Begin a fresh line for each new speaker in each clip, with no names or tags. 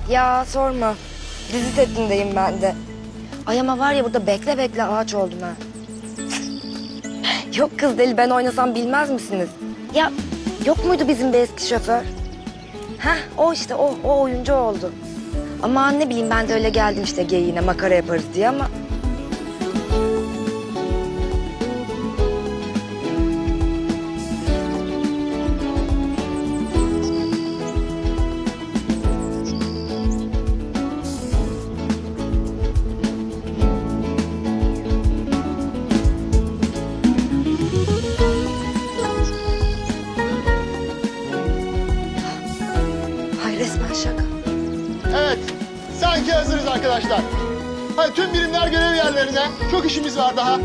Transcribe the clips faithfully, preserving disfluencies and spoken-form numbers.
Ya sorma. Dizi setindeyim ben de. Ay ama var ya burada bekle bekle ağaç oldum ha. Yok kız deli, ben oynasam bilmez misiniz? Ya yok muydu bizim bir eski şoför? Heh o işte o, o oyuncu oldu. Ama ne bileyim ben de öyle geldim işte geyiğine makara yaparız diye ama... Ay resmen şaka.
Evet, sanki hazırız arkadaşlar. Hadi tüm birimler görev yerlerine. Çok işimiz var daha.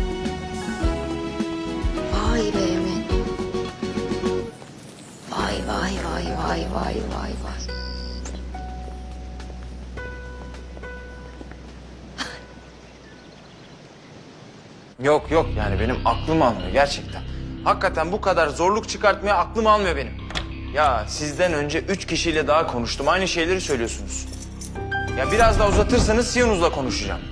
Vay be Emin. Vay vay vay vay vay vay vay.
Yok yok yani benim aklım almıyor gerçekten. Hakikaten bu kadar zorluk çıkartmaya aklım almıyor benim. Ya sizden önce üç kişiyle daha konuştum. Aynı şeyleri söylüyorsunuz. Ya biraz daha uzatırsanız Siyonuz'la konuşacağım.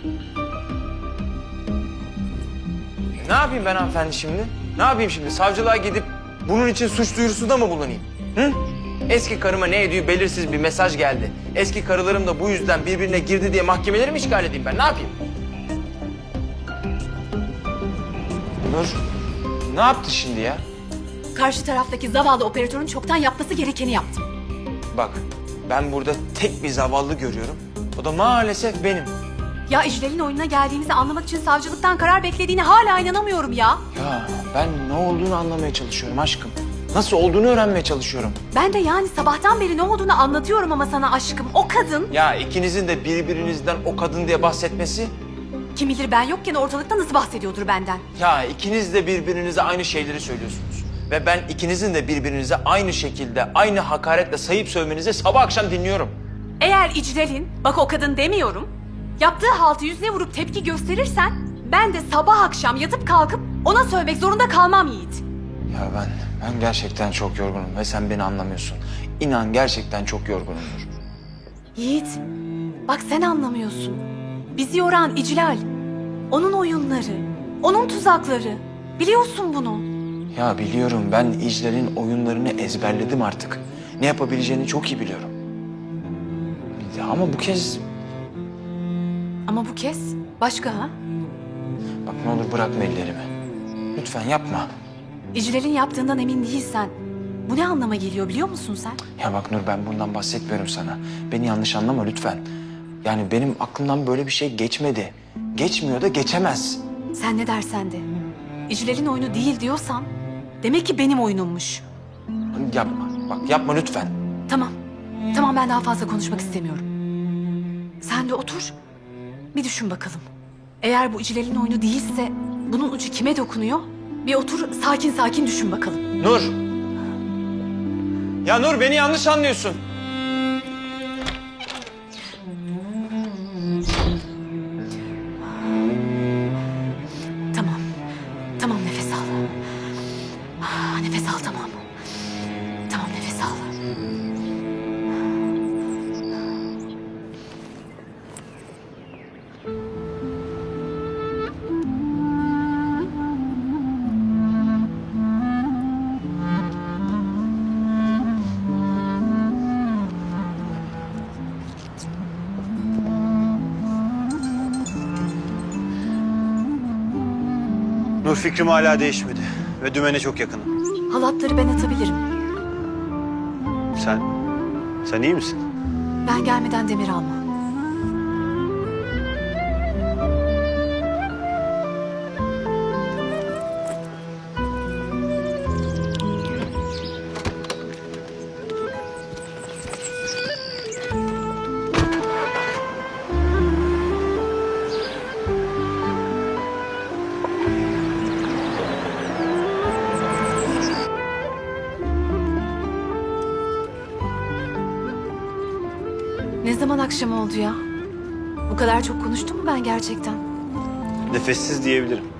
Ne yapayım ben hanımefendi şimdi? Ne yapayım şimdi? Savcılığa gidip bunun için suç duyurusunda mı bulunayım? Hı? Eski karıma ne ediyor belirsiz bir mesaj geldi. Eski karılarım da bu yüzden birbirine girdi diye mahkemeleri mi işgal edeyim ben? Ne yapayım? Nur, ne yaptı şimdi ya?
Karşı taraftaki zavallı operatörün çoktan yapması gerekeni yaptım.
Bak, ben burada tek bir zavallı görüyorum. O da maalesef benim.
Ya İclal'in oyununa geldiğimizi anlamak için savcılıktan karar beklediğine hala inanamıyorum ya.
Ya ben ne olduğunu anlamaya çalışıyorum aşkım. Nasıl olduğunu öğrenmeye çalışıyorum.
Ben de yani sabahtan beri ne olduğunu anlatıyorum ama sana aşkım. O kadın,
Ya ikinizin de birbirinizden o kadın diye bahsetmesi...
kim bilir ben yokken ortalıkta nasıl bahsediyordur benden.
Ya ikiniz de birbirinize aynı şeyleri söylüyorsunuz. Ve ben ikinizin de birbirinize aynı şekilde, aynı hakaretle sayıp sövmenizi sabah akşam dinliyorum.
Eğer İclal'in, bak o kadın demiyorum, yaptığı haltı yüzüne vurup tepki gösterirsen... ben de sabah akşam yatıp kalkıp ona sövmek zorunda kalmam Yiğit.
Ya ben, ben gerçekten çok yorgunum ve sen beni anlamıyorsun. İnan gerçekten çok yorgunumdur.
Yiğit, bak sen anlamıyorsun. Bizi yoran İclal, onun oyunları, onun tuzakları. Biliyorsun bunu.
Ya biliyorum, ben İclal'in oyunlarını ezberledim artık. Ne yapabileceğini çok iyi biliyorum. Ya ama bu kez...
Ama bu kez başka ha?
Bak ne olur bırakma ellerimi. Lütfen yapma.
İclal'in yaptığından emin değilsen bu ne anlama geliyor biliyor musun sen?
Ya bak Nur, ben bundan bahsetmiyorum sana. Beni yanlış anlama lütfen. Yani benim aklımdan böyle bir şey geçmedi. Geçmiyor da geçemez.
Sen ne dersen de. İclal'in oyunu değil diyorsan demek ki benim oyunummuş.
Yapma. Bak yapma lütfen.
Tamam. Tamam ben daha fazla konuşmak istemiyorum. Sen de otur. Bir düşün bakalım. Eğer bu İclal'in oyunu değilse bunun ucu kime dokunuyor? Bir otur sakin sakin düşün bakalım.
Nur. Ya Nur, beni yanlış anlıyorsun.
Tamam. Tamam nefes al. Ah, nefes al tamam. Tamam nefes al.
Nur, fikrim hala değişmedi ve dümene çok yakınım.
Halatları ben atabilirim.
Sen, sen iyi misin?
Ben gelmeden demir alma. Ne zaman akşam oldu ya? Bu kadar çok konuştum mu ben gerçekten?
Nefessiz diyebilirim.